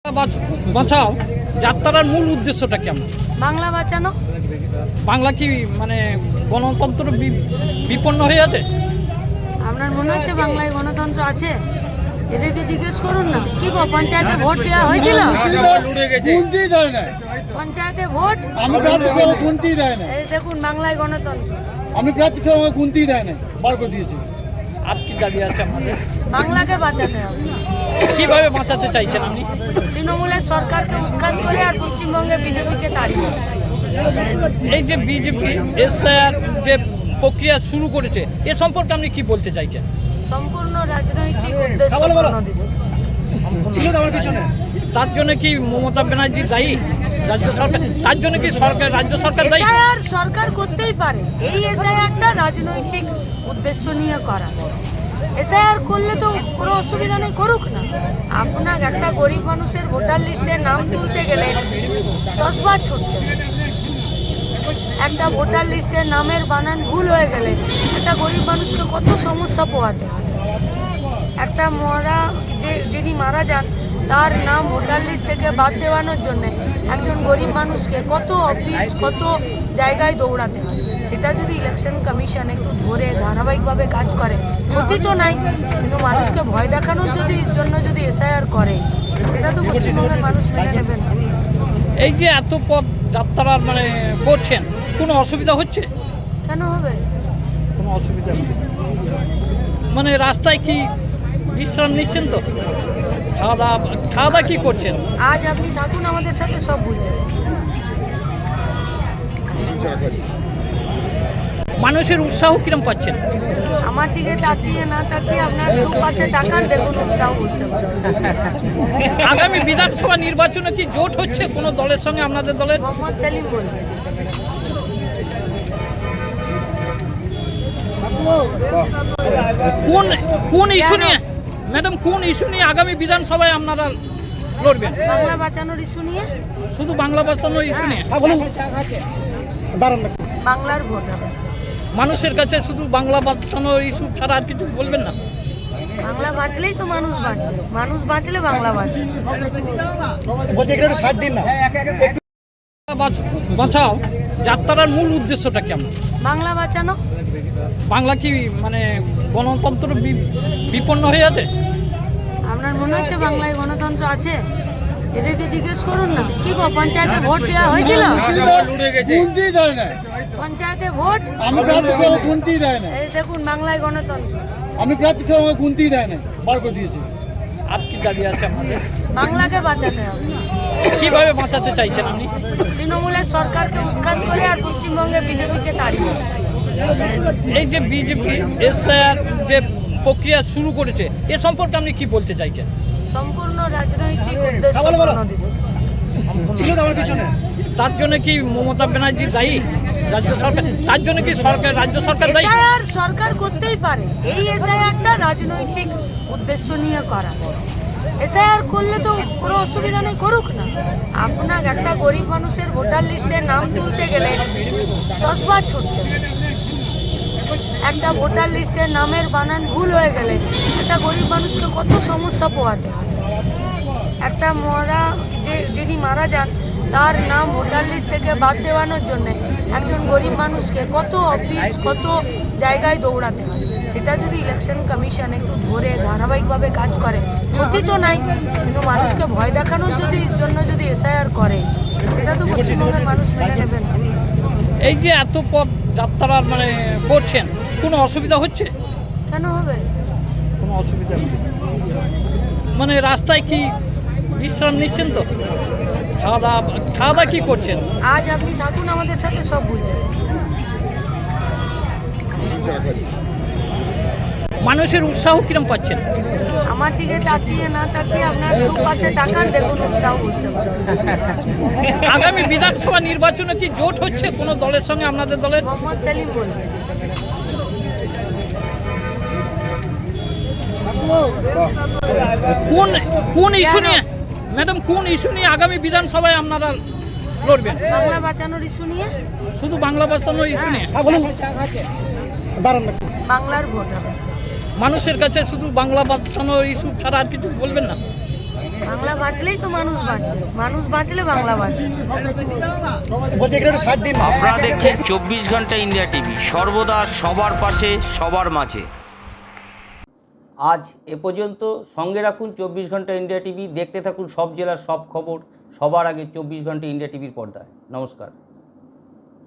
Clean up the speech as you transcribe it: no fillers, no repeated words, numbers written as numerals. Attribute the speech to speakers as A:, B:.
A: বাঁচাও যাত্রার মূল উদ্দেশ্যটা কেমন?
B: বাংলা বাঁচানো।
A: বাংলা কি মানে গণতন্ত্র বিপন্ন হয়ে আছে?
B: আপনার মনে হচ্ছে বাংলায় গণতন্ত্র আছে? এদেরকে জিজ্ঞেস করুন না। কি গো, পঞ্চায়েতে ভোট দেওয়া হয়েছিল? পঞ্চায়েতে ভোট এই দেখুন, বাংলায় গণতন্ত্র।
C: আমি প্রার্থী ছিলাম, আমাকে গুনতেই দেয় না, বার করে দিয়েছে।
A: আর কি দাবি আছে আমাদের?
B: বাংলাকে বাঁচাতে হবে।
A: কিভাবে বাঁচাতে চাইছেন আপনি?
B: তৃণমূলের সরকারকে উৎখাত করে আর পশ্চিমবঙ্গে বিজেপিকে তাড়িয়ে।
A: এই যে বিজেপি এসআইআর যে প্রক্রিয়া শুরু করেছে, এ সম্পর্কে আপনি কি বলতে চাইছেন?
B: সম্পূর্ণ রাজনৈতিক উদ্দেশ্য প্রণোদিত।
A: তার জন্য কি মমতা ব্যানার্জি দায়ী? রাজ্য সরকার তার জন্য কি রাজ্য সরকার দায়ী?
B: এসআইআর সরকার করতেই পারে। এই এসআইআরটা রাজনৈতিক উদ্দেশ্য নিয়ে করা। এসআইআর করলে তো কোনো অসুবিধা নেই, করুক না। আপনার একটা গরিব মানুষের ভোটার লিস্টে নাম তুলতে গেলে 10 বার ছুটতে হয়। একটা ভোটার লিস্টের নামের বানান ভুল হয়ে গেলে একটা গরিব মানুষকে কত সমস্যা পোহাতে হয়। একটা যিনি মারা যান তার নাম ভোটার লিস্ট থেকে বাদ দেওয়ানোর জন্য একজন গরিব মানুষকে কত অফিস, কত জায়গায় দৌড়াতে হয়। সেটা যদি ইলেকশন কমিশন একটু ধরে ধারাবাহিকভাবে কাজ করে, ক্ষতি তো নাই। কিন্তু মানুষকে ভয় দেখানোর জন্য যদি এসআইআর করে, সেটা তো পশ্চিমবঙ্গের মানুষ মেনে নেবে না।
A: এই যে এত পথ যাত্রার মানে করছেন, কোনো অসুবিধা হচ্ছে?
B: কেন হবে?
A: কোনো অসুবিধা নেই। মানে রাস্তায় কি বিশ্রাম নিচ্ছেন তো? খাওয়া দাওয়া কি করছেন?
B: আজ আপনি থাকুন আমাদের সাথে, সব বুঝবেন।
A: মানুষের উৎসাহ কিরম পাচ্ছেন?
B: আমার দিকে তাকিয়ে না তাকিয়ে আপনার দুপাশে তাকান, দেখুন উৎসাহ বুঝতে পারবেন।
A: আগামী বিধানসভা নির্বাচনে কি জোট হচ্ছে কোনো দলের সঙ্গে আপনাদের দলের?
B: মোহাম্মদ সেলিম বলবেন।
A: কোন ইস্যু নিয়ে ম্যাডাম, কোন ইস্যু নিয়ে আগামী বিধানসভায় আপনারা লড়বেন?
B: বাংলা বাঁচানোর ইস্যু নিয়ে।
A: শুধু বাংলা বাঁচানোর ইস্যু নিয়ে?
B: বাংলার ভোট হবে।
A: মানুষের কাছে শুধু বাংলা বাঁচানোর ইস্যু ছাড়া আর কিছু বলবেন না?
B: বাংলা বাঁচলেই তো মানুষ বাঁচবে, মানুষ বাঁচলে বাংলা বাঁচবে।
A: বাঁচাও যাত্রার মূল উদ্দেশ্যটা কেমন?
B: বাংলা বাঁচানো।
A: বাংলা কি মানে গণতন্ত্র বিপন্ন হয়ে আছে?
B: আপনার মনে হচ্ছে বাংলায় গণতন্ত্র আছে? এদেরকে জিজ্ঞেস করুন না। কি গো, পঞ্চায়েতে ভোট দেওয়া হয়েছিল? পঞ্চায়েতে ভোট
C: আমি প্রার্থী ছিলাম, আমাকে গুনতেই দেয় না।
B: এই দেখুন, বাংলায় গণতন্ত্র।
C: আমি প্রার্থী ছিলাম, আমাকে গুনতেই দেয় না, বার করে দিয়েছে।
A: আর কি দাবি আছে আমাদের?
B: বাংলাকে বাঁচাতে হবে।
A: কিভাবে বাঁচাতে চাইছেন আপনি?
B: তৃণমূলের সরকারকে উৎখাত করে আর পশ্চিমবঙ্গে বিজেপিকে তাড়িয়ে।
A: এই যে বিজেপি এসআইআর যে প্রক্রিয়া শুরু করেছে, এ সম্পর্কে আপনি কি বলতে চাইছেন?
B: সম্পূর্ণ রাজনৈতিক উদ্দেশ্য প্রণোদিত।
A: তার জন্য কি মমতা ব্যানার্জি দায়ী? রাজ্য সরকার তার জন্য কি রাজ্য সরকার দায়ী?
B: এসআইআর সরকার করতেই পারে। এই এসআইআরটা রাজনৈতিক উদ্দেশ্য নিয়ে করা। এসআইআর করলে তো কোনো অসুবিধা নেই, করুক না। আপনার একটা গরিব মানুষের ভোটার লিস্টে নাম তুলতে গেলে 10 বার ছুটতে হয়। একটা ভোটার লিস্টের নামের বানান ভুল হয়ে গেলে একটা গরিব মানুষকে কত সমস্যা পোহাতে হয়। একটা যিনি মারা যান তার নাম ভোটার লিস্ট থেকে বাদ দেওয়ানোর জন্য একজন গরিব মানুষকে কত অফিস, কত জায়গায় দৌড়াতে হয়। সেটা যদি ইলেকশন কমিশন একটু ধরে ধারাবাহিকভাবে কাজ করে, ক্ষতি তো নাই। কিন্তু মানুষকে ভয় দেখানোর জন্য যদি এসআইআর করে, সেটা তো পশ্চিমবঙ্গের মানুষ মেনে নেবে না।
A: এই যে এত পথ যাত্রার মানে করছেন, কোনো অসুবিধা হচ্ছে?
B: কেন হবে?
A: কোনো অসুবিধা নেই। মানে রাস্তায় কি বিশ্রাম নিচ্ছেন তো? খাওয়া দাওয়া কি করছেন?
B: আজ আপনি থাকুন আমাদের সাথে, সব বুঝবেন।
A: মানুষের উৎসাহ কিরম পাচ্ছেন?
B: আমার দিকে তাকিয়ে না তাকিয়ে আপনার দুপাশে তাকান, দেখুন উৎসাহ বুঝতে পারবেন।
A: আগামী বিধানসভা নির্বাচনে কি জোট হচ্ছে কোনো দলের সঙ্গে আপনাদের দলের?
B: মোহাম্মদ সেলিম বলবেন।
A: কোন ইস্যু নিয়ে ম্যাডাম, কোন ইস্যু নিয়ে আগামী বিধানসভায় আপনারা লড়বেন?
B: বাংলা বাঁচানোর ইস্যু নিয়ে।
A: শুধু বাংলা বাঁচানোর ইস্যু নিয়ে?
B: বাংলার ভোট হবে।
A: মানুষের কাছে শুধু বাংলা বাঁচানোর ইস্যু ছাড়া আর কিছু বলবেন না?
B: বাংলা বাঁচলেই তো মানুষ বাঁচবে, মানুষ বাঁচলে বাংলা বাঁচবে।
D: আপনারা দেখছেন 24 ঘন্টা ইন্ডিয়া টিভি, সর্বদা সবার পাশে সবার মাঝে। আজ এ পর্যন্ত। সঙ্গে রাখুন 24 ঘন্টা ইন্ডিয়া টিভি, দেখতে থাকুন সব জেলার সব খবর সবার আগে 24 ঘন্টা ইন্ডিয়া টিভির পর্দায়। নমস্কার।